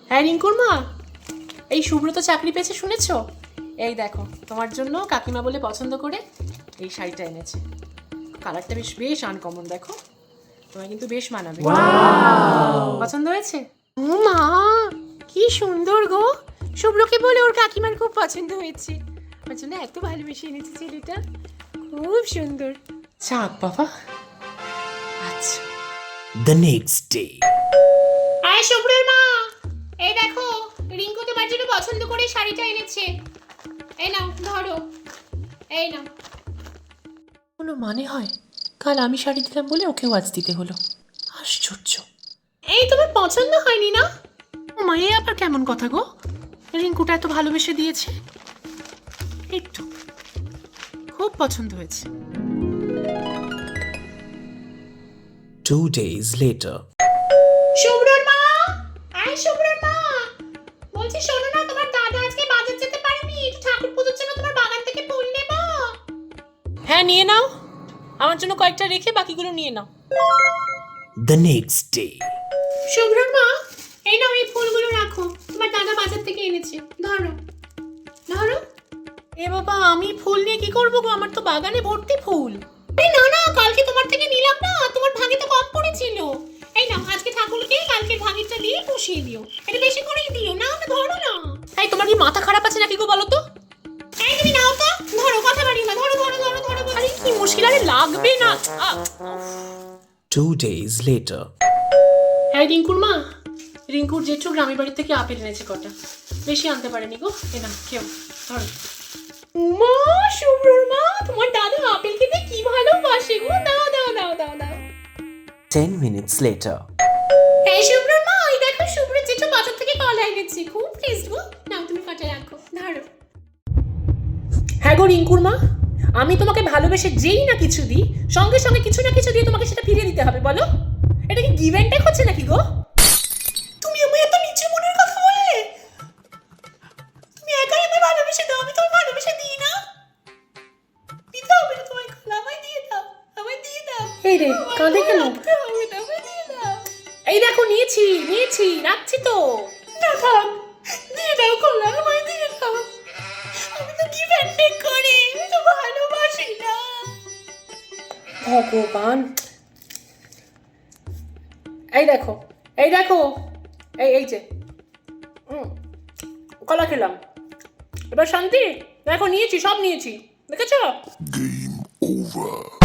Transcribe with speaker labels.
Speaker 1: হ্যাঁ রিঙ্কুর মা, এই সুব্রত চাকরি পেয়েছে শুনেছো? এই দেখো তোমার জন্য কাকিমা বলে পছন্দ করে এই শাড়িটা এনেছে। কালারটা বেশ বেশ আনকমন, দেখো তোমায় কিন্তু বেশ মানাবে। পছন্দ হয়েছে? ও মা, কি সুন্দর গো! শুভ্রকে বলে ওর কাকিমার খুব পছন্দ হয়েছে, ওর জন্য এত ভালোবেসে এনেছে ছেলেটা, খুব সুন্দর। চাক বাবা। আচ্ছা।
Speaker 2: The next day.
Speaker 1: আয় শুভ্রের মা, এই দেখো রিঙ্কু তোমার জন্য পছন্দ করে শাড়িটা এনেছে। এই নাও ধরো, এই নাও। কোনো মানে হয়? কাল আমি শাড়ি দিলাম বলে ওকেও আজ দিতে হলো, আশ্চর্য। এই তোমার পছন্দ হয়নি না? ও মা, এ আবার কেমন কথা গো? রিঙ্কুটা এত ভালোবেসে দিয়েছে, একটু খুব পছন্দ হয়েছে।
Speaker 2: 2 days later.
Speaker 1: শুভ্রর মা, আয় শুভ্রর মা, বলছি শোনো না, তোমার দাদা আজকে বাজার যেতে পারেনি, একটু ঠাকুর পুজোর জন্য তোমার বাগান থেকে ফুল নেবো? হ্যাঁ নিয়ে নাও, আমার জন্য কয়েকটা রেখে বাকিগুলো নিয়ে নাও।
Speaker 2: The next day.
Speaker 1: শুভ্রর মা, এই নাও এই ফুলগুলো রাখো, তোমার দাদা বাজার থেকে এনেছে, ধরো ধরো। এ বাবা, আমি ফুল নিয়ে কি করবো গো? আমার তো বাগানে ভর্তি ফুল। এই না না, কালকে তোমার থেকে নিলাম না, তোমার ভাগে তো কম পড়েছিল। এই নাও, আজকে ঠাকুরকে কালকে ভাগেরটা দিয়ে পুষিয়ে দিও, এটা বেশি করেই দিও, না না ধরো না। এই তোমার কি মাথা খারাপ আছে নাকি গো, বলো তো? এই তুমি নাও তো, ধরো, কথা বাড়িও না, ধরো ধরো ধরো ধরো। আরে কি মুশকিল, আরে লাগবে না।
Speaker 2: 2 days later.
Speaker 1: হ্যাঁ রিঙ্কুর মা, রিঙ্কুর জেঠু গ্রামের বাড়ি থেকে আপেল এনেছে কটা, বেশি আনতে পারেনি গো, এ না কেউ ধরো। মা, শুভ্রর মা, তোমার দাদা আপেল খেতে কি ভালোবাসে গো, দাও দাও দাও দাও দাও।
Speaker 2: 10 minutes later.
Speaker 1: এই শুভ্রর মা, ওই দেখো শুভ্র জেঠু বাজার থেকে কলা এনেছে, খুব টেস্ট গো, নাও তুমি কটা রাখো, ধরো। হ্যাঁ গো রিঙ্কুর মা, আমি তোমাকে ভালোবেসে যেই না কিছু দিই, সঙ্গে সঙ্গে কিছু না কিছু দিয়ে তোমাকে সেটা ফিরিয়ে দিতে হবে, বলো? এটা কি গিভ অ্যান্ড টেক হচ্ছে নাকি গো? তুমি আমায় এত নিচু মনের কথা বলে? তুমি একাই আমায় ভালোবেসে দাও, আমি তোমায় ভালোবেসে দিই না? দিতে হবে না তোমায় কলা, আমায় দিয়ে দাও, আমায় দিয়ে দাও। এই রে, কাঁদে কেন? এই দেখো নিয়েছি নিয়েছি, রাখছি তো। না থাক, দিয়ে দাও কলা, আমায় দিয়ে দাও, আমি তো গিভ অ্যান্ড টেক করি, আমি তো ভালোবাসি না। ভগবান, এই দেখো এই দেখো, এই এই যে কলা খেলাম, এবার শান্তি। দেখো নিয়েছি, সব নিয়েছি, দেখেছো?
Speaker 3: Game over.